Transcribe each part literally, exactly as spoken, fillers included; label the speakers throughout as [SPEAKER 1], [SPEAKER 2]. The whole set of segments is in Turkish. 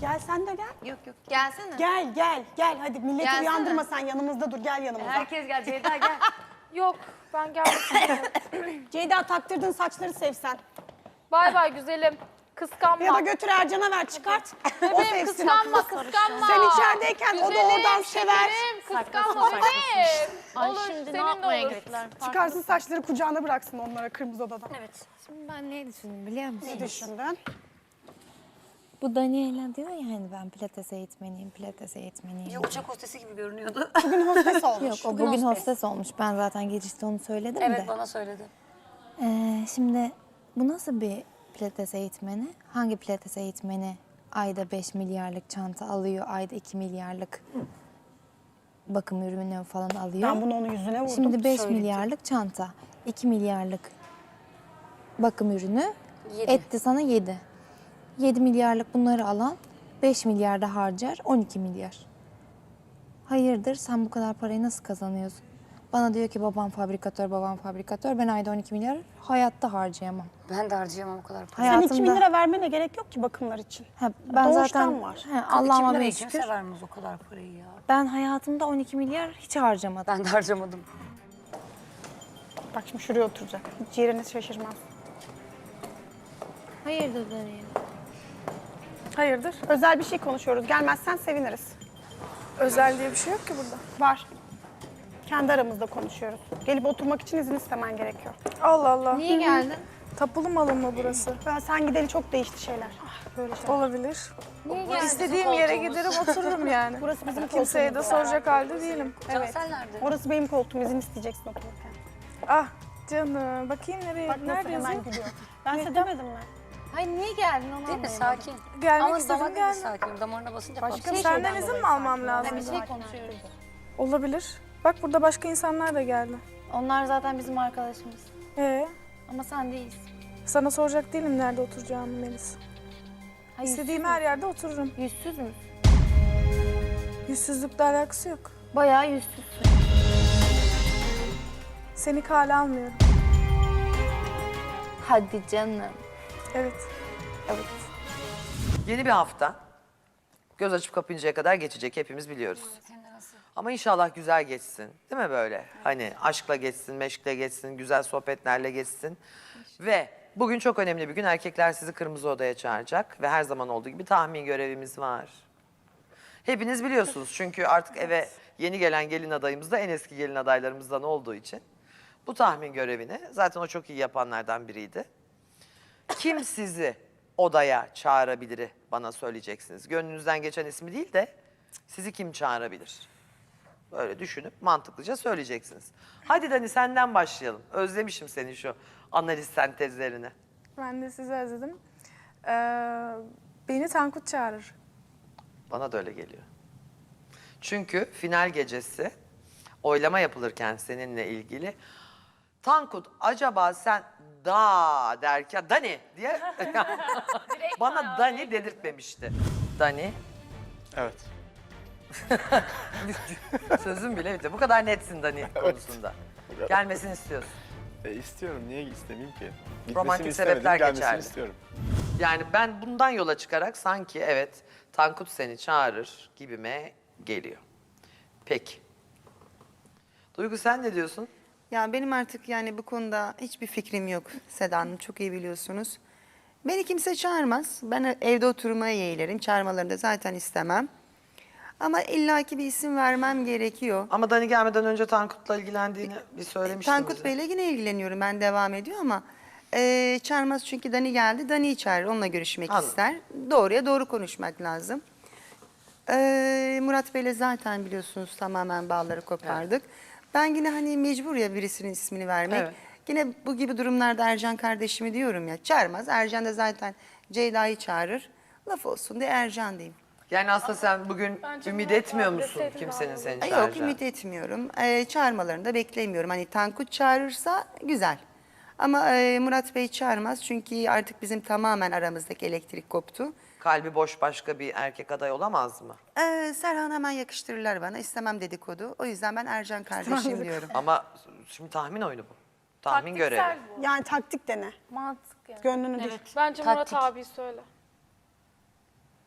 [SPEAKER 1] Gel sen de gel.
[SPEAKER 2] Yok yok gelsene.
[SPEAKER 1] Gel gel gel hadi milleti
[SPEAKER 2] Gelsene.
[SPEAKER 1] uyandırma sen yanımızda dur gel yanımıza.
[SPEAKER 2] Herkes gel Ceyda gel.
[SPEAKER 3] Yok ben gelmek istemiyorum.
[SPEAKER 1] Ceyda taktırdığın saçları sevsen.
[SPEAKER 3] Bay bay güzelim. Kıskanma.
[SPEAKER 1] Ya da götür Ercan'a ver çıkart. o
[SPEAKER 3] Bebeğim
[SPEAKER 1] sevsin.
[SPEAKER 3] kıskanma kıskanma.
[SPEAKER 1] Sen içerideyken o da oradan sever.
[SPEAKER 3] Güzelim kıskanma bebeğim.
[SPEAKER 4] Ay
[SPEAKER 3] Olur
[SPEAKER 4] şimdi ne
[SPEAKER 3] senin de
[SPEAKER 4] yapmaya
[SPEAKER 3] olur.
[SPEAKER 4] gittiler?
[SPEAKER 1] Çıkarsın saçları kucağına bıraksın onlara kırmızı odadan.
[SPEAKER 4] Evet.
[SPEAKER 2] Şimdi ben ne düşündüm biliyor musun?
[SPEAKER 1] Ne düşündün?
[SPEAKER 2] Bu Daniela diyor ya hani ben pilates eğitmeniyim, pilates eğitmeniyim.
[SPEAKER 5] Ya uçak hostesi gibi görünüyordu.
[SPEAKER 1] Bugün hostes olmuş.
[SPEAKER 2] Yok o bugün hostes olmuş. Ben zaten girişte onu söyledim de.
[SPEAKER 5] Evet bana söyledi.
[SPEAKER 2] Ee, şimdi bu nasıl bir pilates eğitmeni? Hangi pilates eğitmeni ayda beş milyarlık çanta alıyor, ayda iki milyarlık bakım ürünü falan alıyor?
[SPEAKER 1] Ben bunu onun yüzüne vurdum.
[SPEAKER 2] Şimdi beş
[SPEAKER 1] söyledi.
[SPEAKER 2] milyarlık çanta, iki milyarlık bakım ürünü
[SPEAKER 5] Yedi.
[SPEAKER 2] etti sana yedi. yedi milyarlık bunları alan beş milyarda harcar on iki milyar. Hayırdır sen bu kadar parayı nasıl kazanıyorsun? Bana diyor ki babam fabrikatör, babam fabrikatör. Ben ayda on iki milyar hayatta harcayamam.
[SPEAKER 5] Ben de harcayamam o kadar para.
[SPEAKER 1] Sen
[SPEAKER 2] Hayatımda...
[SPEAKER 1] iki bin lira vermene gerek yok ki bakımlar için.
[SPEAKER 2] Ha, ben
[SPEAKER 1] Doğuştan
[SPEAKER 2] zaten
[SPEAKER 1] var.
[SPEAKER 2] he, Allah'ıma
[SPEAKER 5] Kim
[SPEAKER 2] bin
[SPEAKER 5] kimse
[SPEAKER 2] şükür.
[SPEAKER 5] vermez o kadar parayı ya.
[SPEAKER 2] Ben hayatımda on iki milyar hiç harcamadım.
[SPEAKER 5] Ben de harcamadım.
[SPEAKER 1] Bak şimdi şuraya oturacak. Hiç yerine şaşırmaz.
[SPEAKER 2] Hayırdır Daniel?
[SPEAKER 1] Hayırdır? Özel bir şey konuşuyoruz. Gelmezsen seviniriz.
[SPEAKER 6] Özel diye bir şey yok ki burada.
[SPEAKER 1] Var. Kendi aramızda konuşuyoruz. Gelip oturmak için izin istemen gerekiyor.
[SPEAKER 6] Allah Allah.
[SPEAKER 2] Niye geldin?
[SPEAKER 6] Tapulu malım mı burası?
[SPEAKER 1] Ben sen gideli çok değişti şeyler. Ah, böyle şeyler.
[SPEAKER 6] Olabilir.
[SPEAKER 2] Niye geldin?
[SPEAKER 6] İstediğim yere giderim otururum yani.
[SPEAKER 1] Burası bizim
[SPEAKER 6] Kimseye de
[SPEAKER 1] koltuğumuz.
[SPEAKER 6] soracak halde değilim.
[SPEAKER 5] Cansel nerede?
[SPEAKER 1] Orası benim koltuğum. İzin isteyeceksin otururken.
[SPEAKER 6] Ah canım. Bakayım nereye?
[SPEAKER 1] Bak nasıl
[SPEAKER 6] Nerede
[SPEAKER 1] hemen
[SPEAKER 6] yazıyor?
[SPEAKER 1] gülüyor. Ben size demedim mi?
[SPEAKER 2] Hayır niye geldin onu
[SPEAKER 5] Değil mi?
[SPEAKER 2] anlayamadım.
[SPEAKER 5] Sakin.
[SPEAKER 6] Gelmek
[SPEAKER 5] Ama
[SPEAKER 6] istedim,
[SPEAKER 5] damarda da
[SPEAKER 6] geldim.
[SPEAKER 5] sakin. Damarına basınca
[SPEAKER 1] Başka
[SPEAKER 5] patlıyor.
[SPEAKER 1] bir
[SPEAKER 6] Senden
[SPEAKER 1] şeyden
[SPEAKER 6] izin
[SPEAKER 1] dolayı
[SPEAKER 6] mi almam
[SPEAKER 1] sakin.
[SPEAKER 6] lazım?
[SPEAKER 2] Bir şey konuşuyoruz.
[SPEAKER 6] Olabilir. Bak burada başka insanlar da geldi.
[SPEAKER 2] Onlar zaten bizim arkadaşımız.
[SPEAKER 6] Ee,
[SPEAKER 2] Ama sen değilsin.
[SPEAKER 6] sana soracak değilim nerede oturacağımı Melis.
[SPEAKER 2] Hayır,
[SPEAKER 6] İstediğim her yerde otururum.
[SPEAKER 2] yüzsüz müsün?
[SPEAKER 6] Yüzsüzlükle alakası yok.
[SPEAKER 2] Bayağı yüzsüzsün.
[SPEAKER 6] Seni kale almıyorum.
[SPEAKER 2] Hadi canım.
[SPEAKER 6] Evet.
[SPEAKER 2] Evet.
[SPEAKER 7] Yeni bir hafta. Göz açıp kapayıncaya kadar geçecek hepimiz biliyoruz. Ama inşallah güzel geçsin. Değil mi böyle? Hani aşkla geçsin, meşkle geçsin, güzel sohbetlerle geçsin. Ve bugün çok önemli bir gün. Erkekler sizi kırmızı odaya çağıracak. Ve her zaman olduğu gibi tahmin görevimiz var. Hepiniz biliyorsunuz çünkü artık eve yeni gelen gelin adayımız da en eski gelin adaylarımızdan olduğu için. Bu tahmin görevini zaten o çok iyi yapanlardan biriydi. Kim sizi odaya çağırabilir bana söyleyeceksiniz. Gönlünüzden geçen ismi değil de sizi kim çağırabilir? Böyle düşünüp mantıklıca söyleyeceksiniz. Hadi Dani senden başlayalım. Özlemişim senin şu analiz sentezlerini.
[SPEAKER 6] Ben de sizi özledim. Ee, beni Tankut çağırır.
[SPEAKER 7] Bana da öyle geliyor. Çünkü final gecesi oylama yapılırken seninle ilgili Tankut acaba sen da derken Dani diye bana Dani dedirtmemişti. Dani
[SPEAKER 8] Evet.
[SPEAKER 7] sözüm bile bitti. Bu kadar netsin Dani konusunda. Gelmesini istiyorsun.
[SPEAKER 8] E, istiyorum. Niye istemeyeyim ki? Gitmesini
[SPEAKER 7] Romantik
[SPEAKER 8] istemedim,
[SPEAKER 7] sebepler
[SPEAKER 8] gelmesini
[SPEAKER 7] geçerli.
[SPEAKER 8] istiyorum.
[SPEAKER 7] Yani ben bundan yola çıkarak sanki evet Tankut seni çağırır gibime geliyor. Peki. Duygu sen ne diyorsun?
[SPEAKER 9] Ya benim artık yani bu konuda hiçbir fikrim yok Seda Hanım, çok iyi biliyorsunuz. Beni kimse çağırmaz. Ben evde oturmaya yeğlerim. Çağırmalarını da zaten istemem. Ama illaki bir isim vermem gerekiyor.
[SPEAKER 7] Ama Dani gelmeden önce Tankut'la ilgilendiğini bir söylemiştin
[SPEAKER 9] Tankut
[SPEAKER 7] bize.
[SPEAKER 9] Bey'le yine ilgileniyorum. Ben devam ediyor ama e, çağırmaz çünkü Dani geldi. Dani'yi çağırır. Onunla görüşmek
[SPEAKER 7] Anladım.
[SPEAKER 9] ister. Doğruya doğru konuşmak lazım. E, Murat Bey'le zaten biliyorsunuz tamamen bağları kopardık. Ben yine hani mecbur ya birisinin ismini vermek.
[SPEAKER 7] Evet.
[SPEAKER 9] Yine bu gibi durumlarda Ercan kardeşimi diyorum ya. Çağırmaz. Ercan da zaten Ceyda'yı çağırır. Laf olsun diye Ercan diyeyim.
[SPEAKER 7] Yani aslında sen bugün
[SPEAKER 3] Bence
[SPEAKER 7] ümit
[SPEAKER 3] Murat
[SPEAKER 7] etmiyor
[SPEAKER 3] abi
[SPEAKER 7] musun
[SPEAKER 3] deseydin
[SPEAKER 7] kimsenin
[SPEAKER 3] daha
[SPEAKER 7] seni
[SPEAKER 9] Ay,
[SPEAKER 7] çağıracağını?
[SPEAKER 9] Yok ümit etmiyorum. Ee, çağırmalarını da beklemiyorum. Hani Tankut çağırırsa güzel. Ama e, Murat Bey çağırmaz çünkü artık bizim tamamen aramızdaki elektrik koptu.
[SPEAKER 7] Kalbi boş başka bir erkek aday olamaz mı?
[SPEAKER 9] Ee, Serhan hemen yakıştırırlar bana. İstemem dedikodu. O yüzden ben Ercan kardeşim diyorum.
[SPEAKER 7] Ama şimdi tahmin oyunu bu. Tahmin görevi.
[SPEAKER 3] Taktiksel bu.
[SPEAKER 1] Yani taktik dene.
[SPEAKER 3] Mantık yani.
[SPEAKER 1] Gönlünü düş.
[SPEAKER 3] Bence Murat
[SPEAKER 5] Taktik.
[SPEAKER 3] abi söyle.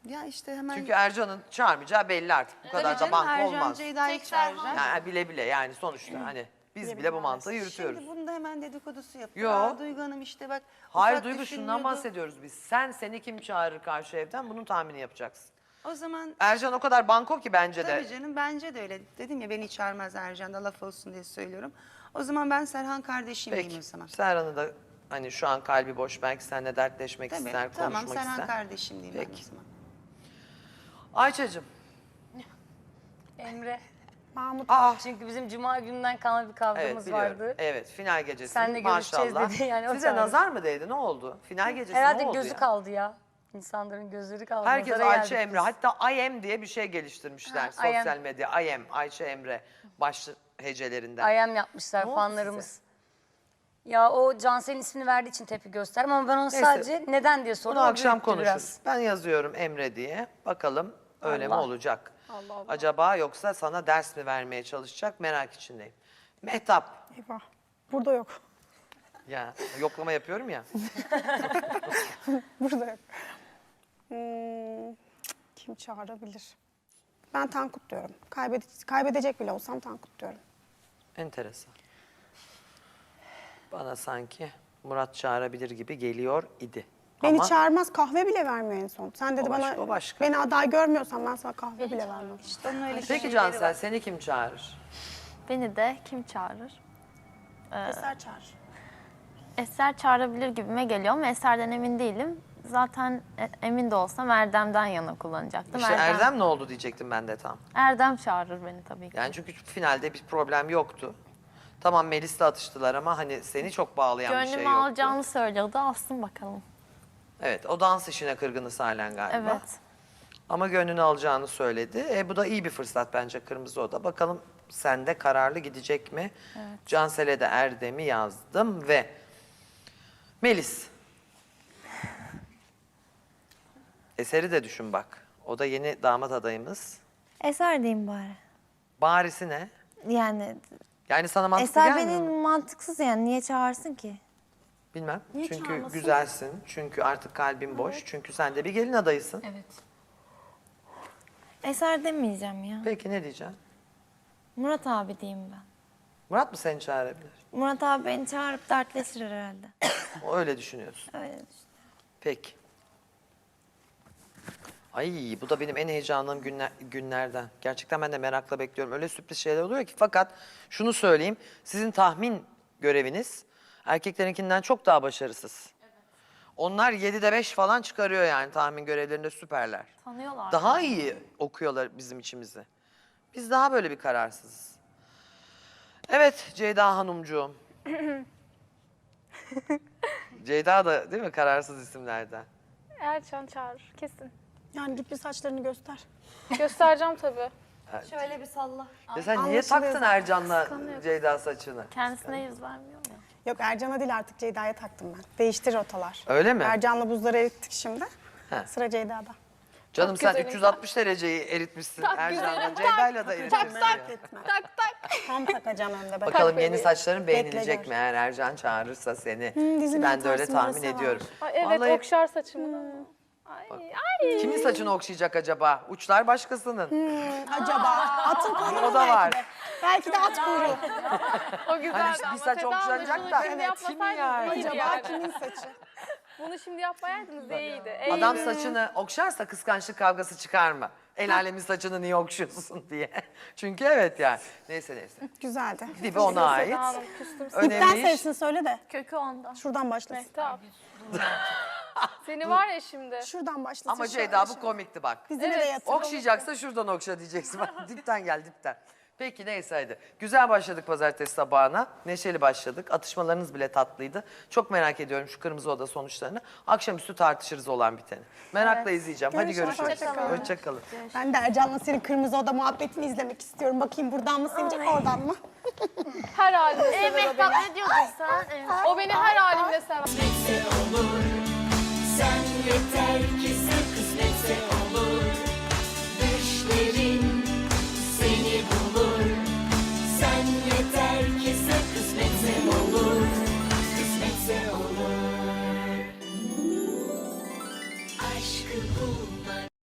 [SPEAKER 9] Ya işte hemen...
[SPEAKER 7] Çünkü Ercan'ın çağırmayacağı belli artık. Bu kadar da
[SPEAKER 9] Canım,
[SPEAKER 7] banko
[SPEAKER 9] Ercan
[SPEAKER 7] olmaz.
[SPEAKER 9] Ceyda'yı çağıracak.
[SPEAKER 7] Yani bile bile yani sonuçta hani biz bile bu mantığı yürütüyoruz.
[SPEAKER 9] Şimdi bunu da hemen dedikodusu yapıyor.
[SPEAKER 7] Yo.
[SPEAKER 9] Aa, Duygu Hanım işte bak.
[SPEAKER 7] Hayır
[SPEAKER 9] ufak
[SPEAKER 7] Duygu şundan
[SPEAKER 9] düşünmüyordu.
[SPEAKER 7] bahsediyoruz biz. Sen seni kim çağırır karşı evden bunun tahmini yapacaksın.
[SPEAKER 9] O zaman
[SPEAKER 7] Ercan o kadar banko ki bence de.
[SPEAKER 9] tabii canım bence de öyle. Dedim ya beni çağırmaz Ercan da laf olsun diye söylüyorum. O zaman ben Serhan kardeşim diyeyim
[SPEAKER 7] Peki
[SPEAKER 9] o zaman.
[SPEAKER 7] Serhan'ı da hani şu an kalbi boş belki seninle dertleşmek
[SPEAKER 9] Tabii
[SPEAKER 7] ister,
[SPEAKER 9] tamam
[SPEAKER 7] konuşmak
[SPEAKER 9] Serhan
[SPEAKER 7] ister.
[SPEAKER 9] kardeşim diyeyim ben
[SPEAKER 7] Peki.
[SPEAKER 9] o zaman.
[SPEAKER 7] Ayça'cığım.
[SPEAKER 5] Emre.
[SPEAKER 1] Mahmut
[SPEAKER 7] Aa
[SPEAKER 5] Çünkü bizim cuma gününden kalan bir
[SPEAKER 7] evet
[SPEAKER 5] kavgamız
[SPEAKER 7] biliyorum.
[SPEAKER 5] vardı.
[SPEAKER 7] Evet final gecesi
[SPEAKER 5] Seninle görüşeceğiz
[SPEAKER 7] maşallah.
[SPEAKER 5] dedi, yani o
[SPEAKER 7] Size
[SPEAKER 5] çağırdı.
[SPEAKER 7] nazar mı değdi ne oldu? Final gecesi
[SPEAKER 5] Herhalde
[SPEAKER 7] ne oldu
[SPEAKER 5] gözü
[SPEAKER 7] ya?
[SPEAKER 5] kaldı ya. İnsanların gözleri kaldı.
[SPEAKER 7] Herkes
[SPEAKER 5] Nazara
[SPEAKER 7] Ayça
[SPEAKER 5] geldik
[SPEAKER 7] Emre.
[SPEAKER 5] biz.
[SPEAKER 7] Hatta I am diye bir şey geliştirmişler
[SPEAKER 5] Ha, I
[SPEAKER 7] sosyal
[SPEAKER 5] am.
[SPEAKER 7] medya. I am Ayça Emre baş hecelerinden.
[SPEAKER 5] I am yapmışlar
[SPEAKER 7] Ne oldu
[SPEAKER 5] fanlarımız. Ya o Cansel'in ismini verdiği için tepki gösterdim ama ben onu
[SPEAKER 7] Neyse.
[SPEAKER 5] sadece neden diye sordum.
[SPEAKER 7] Bunu
[SPEAKER 5] o
[SPEAKER 7] akşam
[SPEAKER 5] büyüttü
[SPEAKER 7] konuşuruz.
[SPEAKER 5] biraz.
[SPEAKER 7] Ben yazıyorum Emre diye. Bakalım öyle mi
[SPEAKER 5] Allah.
[SPEAKER 7] olacak?
[SPEAKER 1] Allah Allah.
[SPEAKER 7] Acaba yoksa sana ders mi vermeye çalışacak merak içindeyim. Mehtap.
[SPEAKER 1] eyvah. Burada yok.
[SPEAKER 7] Ya yoklama yapıyorum ya.
[SPEAKER 1] Burada yok. Hmm, kim çağırabilir? Ben Tankut diyorum. Kaybede kaybedecek bile olsam Tankut diyorum.
[SPEAKER 7] Enteresan. Bana sanki Murat çağırabilir gibi geliyor idi.
[SPEAKER 1] Beni
[SPEAKER 7] Ama
[SPEAKER 1] çağırmaz, kahve bile vermiyor en son. Sen dedi
[SPEAKER 7] O başka,
[SPEAKER 1] bana,
[SPEAKER 7] o başka.
[SPEAKER 1] beni aday görmüyorsan ben sana kahve bile vermem.
[SPEAKER 9] İşte onun öyle
[SPEAKER 7] peki Cansel seni kim çağırır?
[SPEAKER 4] Beni de kim çağırır?
[SPEAKER 1] Eser çağır.
[SPEAKER 4] Eser çağırabilir gibime geliyor ama Eser'den emin değilim. Zaten e- emin de olsam Erdem'den yana kullanacaktım.
[SPEAKER 7] İşte Erdem ne oldu diyecektim ben de tam.
[SPEAKER 4] Erdem çağırır beni tabii ki.
[SPEAKER 7] Yani çünkü finalde bir problem yoktu. Tamam Melis'le atıştılar ama hani seni çok bağlayan bir şey
[SPEAKER 4] Gönlümü
[SPEAKER 7] yoktu.
[SPEAKER 4] alacağını söylüyordu. Alsın bakalım.
[SPEAKER 7] Evet o dans işine kırgınız halen galiba.
[SPEAKER 4] Evet.
[SPEAKER 7] Ama gönlünü alacağını söyledi. E, bu da iyi bir fırsat bence Kırmızı Oda. Bakalım sende kararlı gidecek mi? Cansel'e de Erdem'i yazdım ve Melis. Eser'i de düşün bak. O da yeni damat adayımız.
[SPEAKER 2] Eser diyeyim bari.
[SPEAKER 7] Barisi ne?
[SPEAKER 2] Yani
[SPEAKER 7] Yani sana mantıklı
[SPEAKER 2] Eser
[SPEAKER 7] gelmiyor
[SPEAKER 2] benim
[SPEAKER 7] mu?
[SPEAKER 2] mantıksız yani. Niye çağırsın ki?
[SPEAKER 7] Bilmem.
[SPEAKER 1] Niye
[SPEAKER 7] çünkü
[SPEAKER 1] çağırmasın?
[SPEAKER 7] güzelsin. Çünkü artık kalbin boş. Çünkü sen de bir gelin adayısın.
[SPEAKER 5] Evet.
[SPEAKER 2] Eser demeyeceğim ya.
[SPEAKER 7] Peki ne diyeceksin?
[SPEAKER 2] Murat abi diyeyim ben.
[SPEAKER 7] Murat mı seni çağırabilir?
[SPEAKER 2] Murat abi beni çağırıp dertleşir herhalde.
[SPEAKER 7] O öyle düşünüyorsun.
[SPEAKER 2] Öyle işte.
[SPEAKER 7] Peki. Ay bu da benim en heyecanlandığım günler, günlerden. Gerçekten ben de merakla bekliyorum. Öyle sürpriz şeyler oluyor ki. Fakat şunu söyleyeyim. Sizin tahmin göreviniz erkeklerinkinden çok daha başarısız. Onlar yedide beş falan çıkarıyor yani tahmin görevlerinde süperler.
[SPEAKER 4] Tanıyorlar.
[SPEAKER 7] Daha iyi okuyorlar bizim içimizi. Biz daha böyle bir kararsızız. Evet Ceyda Hanımcuğum. Ceyda da değil mi kararsız isimlerden?
[SPEAKER 3] Erçan çağırır kesin.
[SPEAKER 1] Yani git bir saçlarını göster.
[SPEAKER 3] Göstereceğim tabii.
[SPEAKER 2] Şöyle bir salla.
[SPEAKER 7] Ya sen niye
[SPEAKER 1] Anlaşılıyor
[SPEAKER 7] taktın
[SPEAKER 1] zaten.
[SPEAKER 7] Ercan'la Ceyda saçını?
[SPEAKER 4] Kendisine yüz vermiyor ya.
[SPEAKER 1] Yok Ercan'a değil artık Ceyda'ya taktım ben. Değiştir rotalar.
[SPEAKER 7] Öyle mi?
[SPEAKER 1] Ercan'la buzları erittik şimdi.
[SPEAKER 7] He.
[SPEAKER 1] Sıra Ceyda'da.
[SPEAKER 7] Canım
[SPEAKER 3] Çok
[SPEAKER 7] sen
[SPEAKER 3] güzelim.
[SPEAKER 7] üç yüz altmış dereceyi eritmişsin Ercan'la. Ceyda'yla da eritmişsin. ya.
[SPEAKER 1] Etme. tak tak. Tam takacağım önde. Bak.
[SPEAKER 7] Bakalım yeni
[SPEAKER 3] bebeğim.
[SPEAKER 7] saçların beğenilecek
[SPEAKER 1] Bekle
[SPEAKER 7] mi eğer Ercan çağırırsa seni?
[SPEAKER 1] dizinin
[SPEAKER 7] Ben de öyle
[SPEAKER 1] atarsın,
[SPEAKER 7] tahmin
[SPEAKER 1] orası var.
[SPEAKER 7] ediyorum.
[SPEAKER 3] Ay, evet
[SPEAKER 7] Vallahi
[SPEAKER 3] okşar saçımı da. Ay, ay.
[SPEAKER 7] kimin saçını okşayacak acaba? Uçlar başkasının.
[SPEAKER 1] Acaba atın kuyruğu
[SPEAKER 7] O da
[SPEAKER 1] belki
[SPEAKER 7] var.
[SPEAKER 1] de. Belki de at kuyruğu.
[SPEAKER 3] O güzeldi
[SPEAKER 7] Hani bir
[SPEAKER 3] ama
[SPEAKER 7] saç
[SPEAKER 3] Seda Hanım,
[SPEAKER 7] okşanacak
[SPEAKER 3] şunu
[SPEAKER 7] da.
[SPEAKER 3] şimdi
[SPEAKER 7] Evet, kim yani?
[SPEAKER 3] yapmasaydınız iyiydi
[SPEAKER 1] Acaba
[SPEAKER 3] yani.
[SPEAKER 1] kimin saçı?
[SPEAKER 3] Bunu şimdi yapmayaydınız iyiydi.
[SPEAKER 7] Adam
[SPEAKER 3] iyiydi.
[SPEAKER 7] saçını okşarsa kıskançlık kavgası çıkar mı? El alemin saçını niye okşuyorsun diye. Çünkü evet yani. Neyse neyse.
[SPEAKER 1] Güzeldi.
[SPEAKER 7] Dibi ona ait.
[SPEAKER 3] Seda Hanım küstüm sana.
[SPEAKER 1] İpten
[SPEAKER 7] Önemli iş.
[SPEAKER 1] sayısını söyle de.
[SPEAKER 4] Kökü ondan.
[SPEAKER 1] Şuradan başlasın.
[SPEAKER 3] Mehtap. Seni var ya şimdi.
[SPEAKER 1] Şuradan başlasın.
[SPEAKER 7] Ama
[SPEAKER 1] şöyle,
[SPEAKER 7] Ceyda bu
[SPEAKER 1] şöyle.
[SPEAKER 7] komikti bak.
[SPEAKER 1] Dizine
[SPEAKER 3] Evet.
[SPEAKER 1] de yatır.
[SPEAKER 7] Okşayacaksa şuradan okşa diyeceksin. Dipten gel dipten. Peki neyse hadi. Güzel başladık pazartesi sabahına. Neşeli başladık. Atışmalarınız bile tatlıydı. Çok merak ediyorum şu Kırmızı Oda sonuçlarını. Akşamüstü tartışırız olan biteni. Merakla izleyeceğim. Hadi
[SPEAKER 1] Görüşürüz.
[SPEAKER 7] görüşürüz.
[SPEAKER 1] Hoşçakalın.
[SPEAKER 7] Hoşçakalın.
[SPEAKER 1] Ben de Ercan'la senin Kırmızı Oda muhabbetini izlemek istiyorum. Bakayım buradan mı sevecek oradan mı?
[SPEAKER 3] Her halimde sever o
[SPEAKER 4] Mehtap
[SPEAKER 3] beni.
[SPEAKER 4] ne diyordun sen?
[SPEAKER 3] O beni her halimde sever.
[SPEAKER 10] Sen yeter ki sen kısmetse